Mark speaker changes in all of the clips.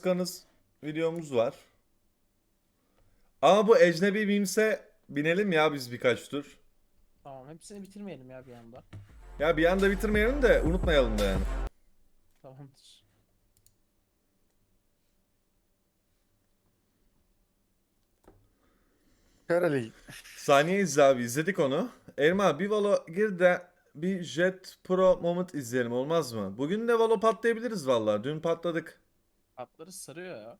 Speaker 1: Kanız videomuz var. Ama bu ecnebi mimse binelim ya biz birkaç tur.
Speaker 2: Tamam, hepsini bitirmeyelim ya bir anda.
Speaker 1: Ya bir anda bitirmeyelim de unutmayalım da yani.
Speaker 2: Tamamdır.
Speaker 3: Karali.
Speaker 1: Saniye izle abi, izledik onu. Elma bir Valo gir de bir Jet Pro Moment izleyelim, olmaz mı? Bugün de Valo patlayabiliriz vallahi. Dün patladık.
Speaker 2: Atları sarıyor ya.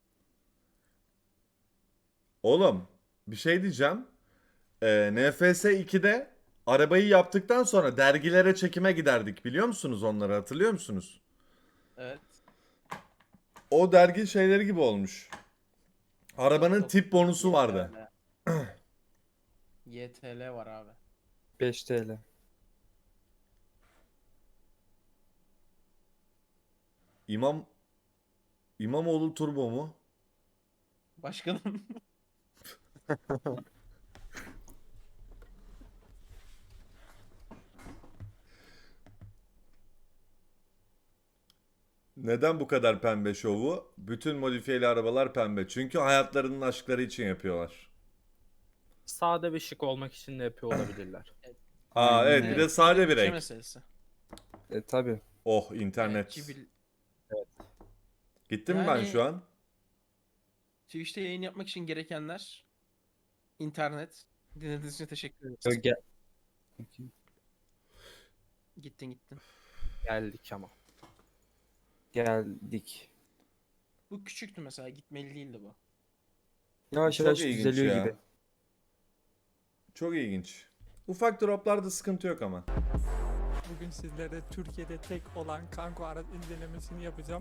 Speaker 1: Oğlum bir şey diyeceğim. NFS 2'de arabayı yaptıktan sonra dergilere çekime giderdik, biliyor musunuz onları, hatırlıyor musunuz?
Speaker 2: Evet.
Speaker 1: O dergi şeyleri gibi olmuş. Arabanın tip bonusu vardı.
Speaker 2: YTL var abi.
Speaker 3: 5 TL.
Speaker 1: İmam İmamoğlu Turbo mu?
Speaker 2: Başkanım.
Speaker 1: Neden bu kadar pembe şovu? Bütün modifiyeli arabalar pembe. Çünkü hayatlarının aşkları için yapıyorlar.
Speaker 4: Sade ve şık olmak için de yapıyor olabilirler.
Speaker 1: Aa
Speaker 3: Aynen
Speaker 1: evet, bir
Speaker 3: öyle.
Speaker 1: de sade bir
Speaker 2: bütçe
Speaker 1: renk.
Speaker 2: meselesi.
Speaker 3: Tabi.
Speaker 1: Oh internet.
Speaker 2: Cibil.
Speaker 1: Gittim mi ben
Speaker 2: Yani-
Speaker 1: şu an?
Speaker 2: Twitch'te yayın yapmak için gerekenler internet. Dinlediğiniz için teşekkür ederiz.
Speaker 3: Gel.
Speaker 2: Gittin.
Speaker 4: Geldik ama.
Speaker 3: Geldik.
Speaker 2: Bu küçüktü mesela, gitmeli değildi bu.
Speaker 3: Yavaş
Speaker 1: Çok
Speaker 3: yavaş
Speaker 1: ilginç
Speaker 3: düzeliyor
Speaker 1: ya.
Speaker 3: gibi.
Speaker 1: Çok ilginç. Ufak droplarda sıkıntı yok ama.
Speaker 5: Bugün sizlere Türkiye'de tek olan Kanko araç incelemesini yapacağım.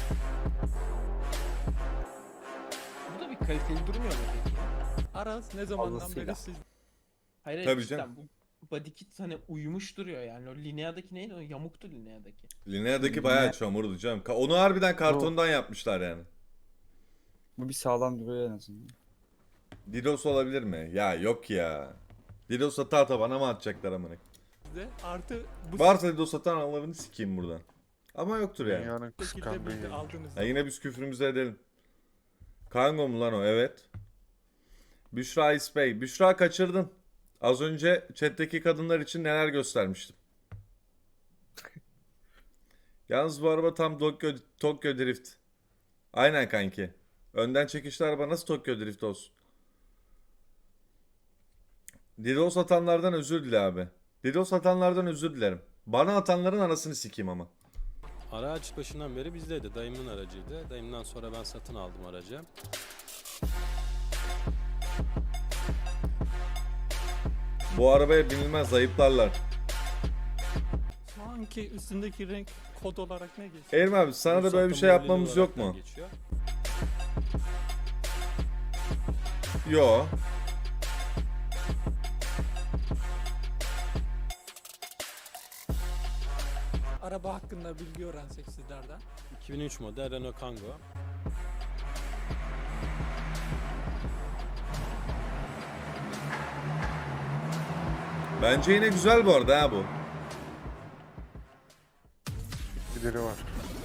Speaker 2: Bu da bir kaliteli durmuyor mu peki?
Speaker 5: Araç ne zamandan
Speaker 3: Fazlasıyla.
Speaker 5: beri siz
Speaker 2: Hayır,
Speaker 1: Tabii
Speaker 2: cidden
Speaker 1: canım.
Speaker 2: bu body kit hani uyumuş duruyor yani. O Linea'daki neydi? O yamuktu Linea'daki.
Speaker 1: Linea'daki bayağı çamurdu canım. Onu harbiden kartondan yapmışlar yani.
Speaker 3: Bu bir sağlam duruyor en azından.
Speaker 1: Didos olabilir mi? Ya yok ya. Didos ata bana mı atacaklar amına?
Speaker 5: de artı bu
Speaker 1: Varsa Didos atan Allah'ını sikeyim buradan. Ama yoktur yani.
Speaker 6: Dünyanın
Speaker 5: şekilde
Speaker 6: kıskandığı
Speaker 5: bilgi
Speaker 6: yayın.
Speaker 5: aldınız.
Speaker 1: Ya yine biz küfrümüzü edelim. Kango mu lan o? Evet. Büşra İspey. Büşra kaçırdın. Az önce chat'teki kadınlar için neler göstermiştim. Yalnız bu araba tam Tokyo Drift. Aynen kanki. Önden çekişli araba nasıl Tokyo Drift olsun? DDoS atanlardan özür dile abi. DDoS atanlardan özür dilerim. Bana atanların anasını sikeyim ama.
Speaker 7: Araç başından beri bizdeydi. Dayımın aracıydı. Dayımdan sonra ben satın aldım aracı.
Speaker 1: Bu arabaya binilmez, ayıplarlar.
Speaker 5: Şu anki üstündeki renk kod olarak ne geçiyor?
Speaker 1: Erim abi sana da böyle bir şey
Speaker 7: Ruhsatlı
Speaker 1: yapmamız
Speaker 7: modeli
Speaker 1: yok mu?
Speaker 7: olaraktan geçiyor.
Speaker 1: Yo.
Speaker 5: Araba hakkında bilgi öğrensek sizlerden.
Speaker 7: 2003 model Renault Kangoo.
Speaker 1: Bence yine güzel bu arada ha bu.
Speaker 6: Gideri var.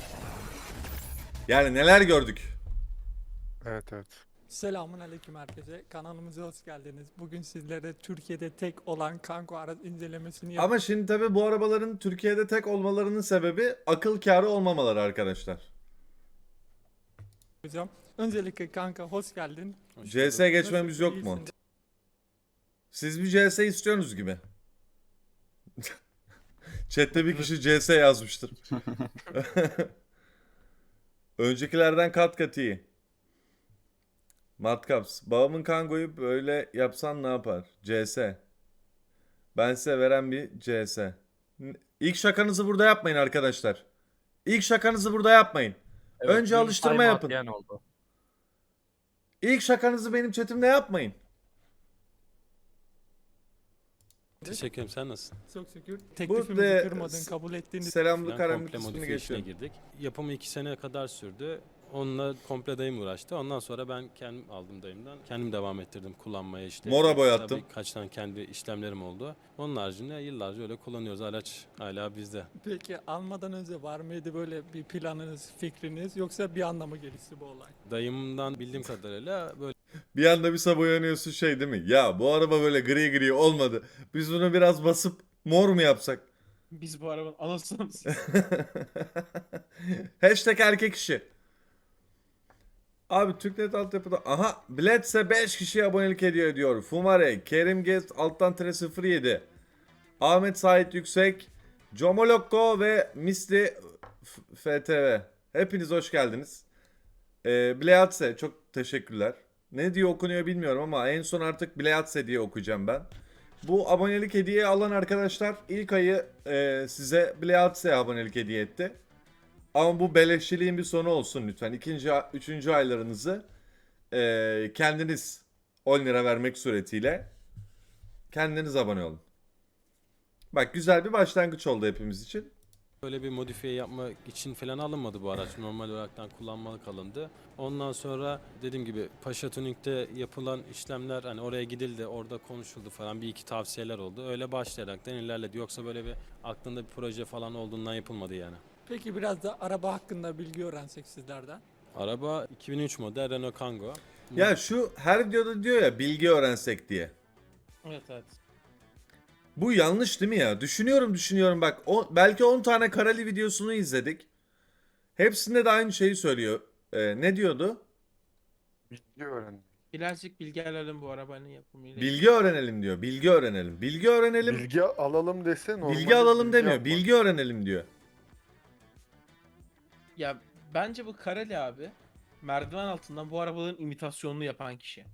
Speaker 1: Yani neler gördük.
Speaker 6: Evet evet.
Speaker 5: Selamun aleyküm herkese. Kanalımıza hoş geldiniz. Bugün sizlere Türkiye'de tek olan Kanko araç incelemesini
Speaker 1: Ama şimdi tabi bu arabaların Türkiye'de tek olmalarının sebebi akıl kârı olmamaları arkadaşlar.
Speaker 5: yapacağım. Öncelikle kanka hoş geldin.
Speaker 7: Hoş
Speaker 1: CS
Speaker 7: bulduk.
Speaker 1: geçmemiz yok mu?
Speaker 5: İyisin.
Speaker 1: Siz bir CS istiyorsunuz gibi. Chat'te bir kişi CS yazmıştır. Öncekilerden kat kat iyi. Matkaps. Babamın Kango'yu böyle yapsan ne yapar? CS. Ben size veren bir CS. İlk şakanızı burada yapmayın arkadaşlar. İlk şakanızı burada yapmayın. Önce
Speaker 4: dün
Speaker 1: alıştırma
Speaker 4: time
Speaker 1: yapın.
Speaker 4: atlayan oldu.
Speaker 1: İlk şakanızı benim chatimde yapmayın.
Speaker 7: Teşekkür ederim. Sen nasılsın?
Speaker 5: Çok şükür. Teklifimizi
Speaker 1: de-
Speaker 5: kırmadın, kabul ettiğiniz
Speaker 1: Selamlı
Speaker 7: Ben
Speaker 1: karanlık
Speaker 7: komple
Speaker 1: kısmını
Speaker 7: modifiye işine
Speaker 1: geçiyorum.
Speaker 7: girdik. Yapımı 2 sene kadar sürdü. Onunla komple dayım uğraştı. Ondan sonra ben kendim aldım dayımdan. Kendim devam ettirdim kullanmaya işte.
Speaker 1: Mora boyattım.
Speaker 7: Tabii kaç tane kendi işlemlerim oldu. Onun haricinde yıllarca öyle kullanıyoruz. Araç hala bizde.
Speaker 5: Peki almadan önce var mıydı böyle bir planınız, fikriniz yoksa bir anda mı gelişti bu olay?
Speaker 7: Dayımdan bildiğim kadarıyla böyle
Speaker 1: Bir anda bir sabah uyanıyorsun şey değil mi? Ya bu araba böyle gri gri olmadı. Biz bunu biraz basıp mor mu yapsak?
Speaker 2: Biz bu arabanın anasını mı siz?
Speaker 1: Hashtag erkek işi. Abi Türknet altyapıda. Aha Bledse 5 kişiye abonelik hediye ediyor. Fumare, Kerim Gez alttan tire 07. Ahmet Sait Yüksek, Comolokko ve Misli FTV. Hepiniz hoş geldiniz. Bleatse çok teşekkürler. Ne diye okunuyor bilmiyorum ama en son artık Bleatse diye okuyacağım ben. Bu abonelik hediye alan arkadaşlar ilk ayı size Bleatse abonelik hediye etti. Ama bu beleşçiliğin bir sonu olsun lütfen. İkinci, üçüncü aylarınızı kendiniz 10 lira vermek suretiyle kendiniz abone olun. Bak güzel bir başlangıç oldu hepimiz için.
Speaker 7: Böyle bir modifiye yapmak için falan alınmadı bu araç. Normal olaraktan kullanmalık alındı. Ondan sonra dediğim gibi Paşa Tuning'de yapılan işlemler hani oraya gidildi, orada konuşuldu falan bir iki tavsiyeler oldu. Öyle başlayaraktan ilerledi. Yoksa böyle bir aklında bir proje falan olduğundan yapılmadı yani.
Speaker 5: Peki biraz da araba hakkında bilgi öğrensek sizlerden.
Speaker 7: Araba 2003 model Renault Kangoo.
Speaker 1: Ya şu her videoda diyor ya bilgi öğrensek diye.
Speaker 2: Evet evet.
Speaker 1: Bu yanlış değil mi ya? Düşünüyorum bak. Belki 10 tane kareli videosunu izledik. Hepsinde de aynı şeyi söylüyor. Ne diyordu?
Speaker 6: Bilgi öğrendim.
Speaker 2: Birazcık bilgi alalım bu arabanın yapımıyla.
Speaker 1: Bilgi öğrenelim diyor. Bilgi öğrenelim. Bilgi öğrenelim.
Speaker 6: Bilgi alalım dese normalde
Speaker 1: Bilgi alalım demiyor.
Speaker 6: almak.
Speaker 1: Bilgi öğrenelim diyor.
Speaker 2: Ya bence bu Kareli abi merdiven altından bu arabaların imitasyonunu yapan kişi.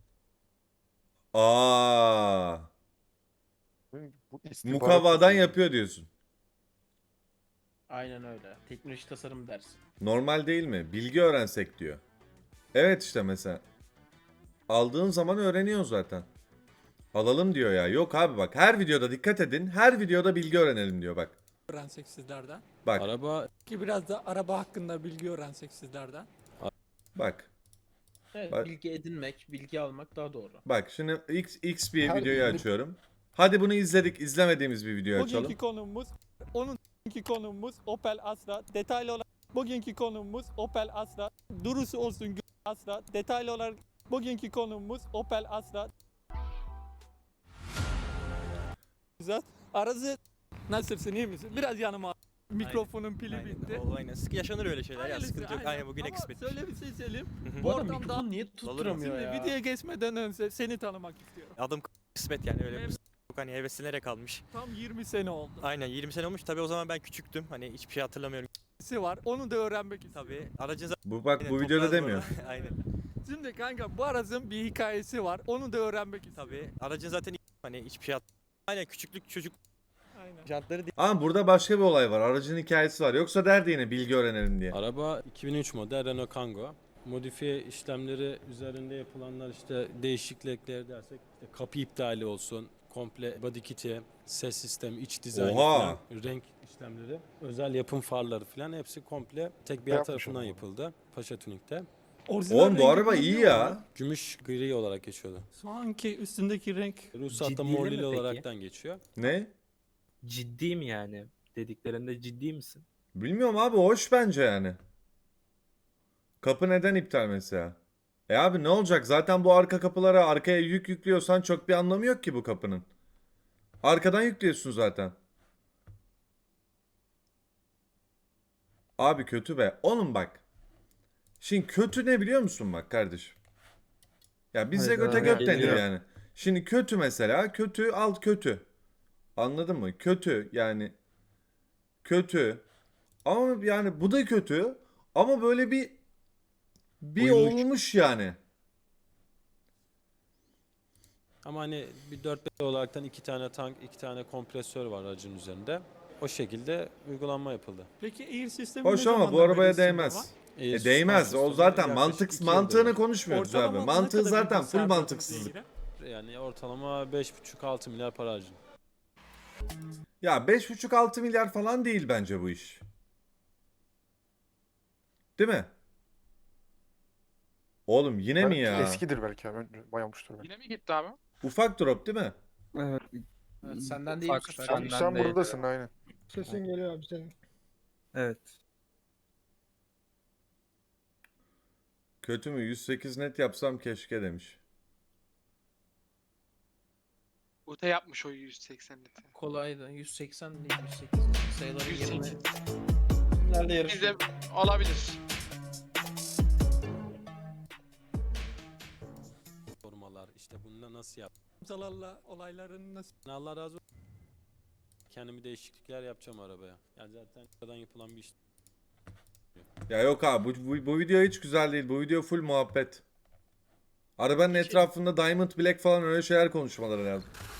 Speaker 1: Aa,
Speaker 6: Bu istihbarat
Speaker 1: mukavvadan
Speaker 6: tasarımı.
Speaker 1: yapıyor diyorsun.
Speaker 2: Aynen öyle. Teknoloji tasarım dersi.
Speaker 1: Normal değil mi? Bilgi öğrensek diyor. Evet işte mesela. Aldığın zaman öğreniyorsun zaten. Alalım diyor ya. Yok abi bak her videoda dikkat edin. Her videoda bilgi öğrenelim diyor bak.
Speaker 5: Öğrensek sizlerden.
Speaker 1: Bak
Speaker 7: Araba
Speaker 5: Peki biraz da araba hakkında bilgi öğrensek sizlerden.
Speaker 1: bak.
Speaker 2: Evet,
Speaker 1: Bak.
Speaker 2: bilgi edinmek, bilgi almak daha doğru.
Speaker 1: Bak şimdi X bir
Speaker 6: Her
Speaker 1: videoyu
Speaker 6: bilgi-
Speaker 1: açıyorum. Hadi bunu izledik. İzlemediğimiz bir videoyu açalım.
Speaker 5: Bugünkü konumuz, bugünkü konumuz Opel Astra. Detaylı olarak bugünkü konumuz Opel Astra. Durusu olsun Astra. Detaylı olarak bugünkü konumuz Opel Astra. Güzel. Arası nasılsın, iyi misin? Biraz yanıma al. Mikrofonun pili bitti.
Speaker 8: Aynen. Yaşanır öyle şeyler ya.
Speaker 5: Hayırlısı,
Speaker 8: Sıkıntı yok. Aynen bugüne
Speaker 5: Ama
Speaker 8: kısmetmiş.
Speaker 5: Söyle bir şey söyleyeyim.
Speaker 8: Hı hı.
Speaker 2: Bu arada
Speaker 5: ortamda-
Speaker 2: mikrofonu niye tutturamıyor
Speaker 5: Şimdi
Speaker 2: ya?
Speaker 5: videoya geçmeden önce seni tanımak istiyorum.
Speaker 8: Adım kısmet yani öyle
Speaker 5: Evet.
Speaker 8: bir yok hani heveslenerek almış.
Speaker 5: Tam 20 sene oldu.
Speaker 8: Aynen 20 sene olmuş. Tabii o zaman ben küçüktüm. Hani hiçbir şey hatırlamıyorum.
Speaker 5: Var. Onu da öğrenmek istiyorum.
Speaker 8: Tabii aracın zaten
Speaker 1: Bu bak bu videoda demiyor.
Speaker 8: Aynen.
Speaker 5: Şimdi kanka bu aracın bir hikayesi var. Onu da öğrenmek istiyorum.
Speaker 8: Tabii aracın zaten hani hiçbir şey Aynen küçüklük çocuk
Speaker 5: Aynen.
Speaker 8: jantları değil.
Speaker 1: Ama burada başka bir olay var. Aracın hikayesi var. Yoksa derdi yine bilgi öğrenelim diye.
Speaker 7: Araba 2003 model Renault Kangoo. Modifiye işlemleri üzerinde yapılanlar işte değişiklikler dersek işte kapı iptali olsun, komple body kit'i, ses sistemi, iç dizaynı
Speaker 1: Oha!
Speaker 7: falan, renk işlemleri, özel yapım farları falan hepsi komple tek bir yer
Speaker 6: Yapmış
Speaker 7: tarafından
Speaker 6: onu.
Speaker 7: yapıldı Paşa Tuning'de.
Speaker 5: Orijinal
Speaker 1: Oğlum bu
Speaker 5: rengi
Speaker 1: araba iyi
Speaker 5: kullanıyor mu?
Speaker 1: ya.
Speaker 7: Gümüş gri olarak geçiyordu.
Speaker 5: Şu anki üstündeki renk
Speaker 7: Ruhsatta
Speaker 4: Ciddi mi
Speaker 7: morlili
Speaker 4: peki?
Speaker 7: olaraktan geçiyor.
Speaker 1: Ne?
Speaker 4: Ciddi mi yani? Dediklerinde ciddi misin?
Speaker 1: Bilmiyorum abi hoş bence yani. Kapı neden iptal mesela? Abi ne olacak? Zaten bu arka kapılara arkaya yük yüklüyorsan çok bir anlamı yok ki bu kapının. Arkadan yüklüyorsun zaten. Abi kötü be. Oğlum bak. Şimdi kötü ne biliyor musun bak kardeşim? Ya bize
Speaker 3: Hayda,
Speaker 1: göte göt
Speaker 3: geliyor.
Speaker 1: deniyor yani. Şimdi kötü mesela. Kötü alt kötü. Anladın mı? Kötü yani. Kötü. Ama yani bu da kötü. Ama böyle bir
Speaker 7: Uyumuş.
Speaker 1: olmuş yani.
Speaker 7: Ama hani bir 4-5 olaraktan 2 tane tank, 2 tane kompresör var aracın üzerinde. O şekilde uygulanma yapıldı.
Speaker 5: peki air sistemi
Speaker 1: Hoş
Speaker 5: ne
Speaker 1: ama bu
Speaker 5: zamandan beri
Speaker 1: arabaya
Speaker 5: üstünde
Speaker 1: değmez.
Speaker 5: var?
Speaker 1: Değmez. O zaten
Speaker 7: Yaklaşık 2
Speaker 1: mantığını
Speaker 7: yıldır.
Speaker 1: konuşmuyoruz abi.
Speaker 5: Ortalama ne
Speaker 1: Mantığı
Speaker 5: kadar
Speaker 1: zaten
Speaker 5: bir
Speaker 1: full
Speaker 5: bilgisayar
Speaker 1: mantıksızlık.
Speaker 5: bilgisayarı?
Speaker 7: Yani ortalama 5,5-6 milyar para harcın.
Speaker 1: Ya 5,5-6 milyar falan değil bence bu iş. Değil mi? Oğlum yine mi
Speaker 6: Belki
Speaker 1: ya?
Speaker 6: Eskidir belki abi. Bayamıştır belki.
Speaker 9: Yine mi gitti abi?
Speaker 1: Ufak drop değil mi?
Speaker 3: Evet.
Speaker 2: Evet, senden değil bu
Speaker 3: Ufak
Speaker 2: sefer.
Speaker 3: senden
Speaker 6: Sen
Speaker 3: değil.
Speaker 6: buradasın aynen.
Speaker 5: Sesin geliyor abi senin.
Speaker 3: Evet.
Speaker 1: Kötü mü? 108 net yapsam keşke demiş.
Speaker 9: Ute yapmış o 180 litre.
Speaker 2: Kolaydı. 180 değil 108. Sayıların
Speaker 9: 108.
Speaker 2: yerine. Nerede
Speaker 9: Biz de
Speaker 2: yarışıyor?
Speaker 9: olabilir.
Speaker 7: Formalar işte bununla nasıl yap?
Speaker 5: Zalarla olayların nasıl?
Speaker 7: Allah razı olsun. Kendimi değişiklikler yapacağım arabaya. Yani zaten aradan yapılan bir iş.
Speaker 1: Ya yok abi bu video hiç güzel değil. Bu video full muhabbet. Arabanın etrafında Diamond Black falan öyle şeyler konuşmaları lazım.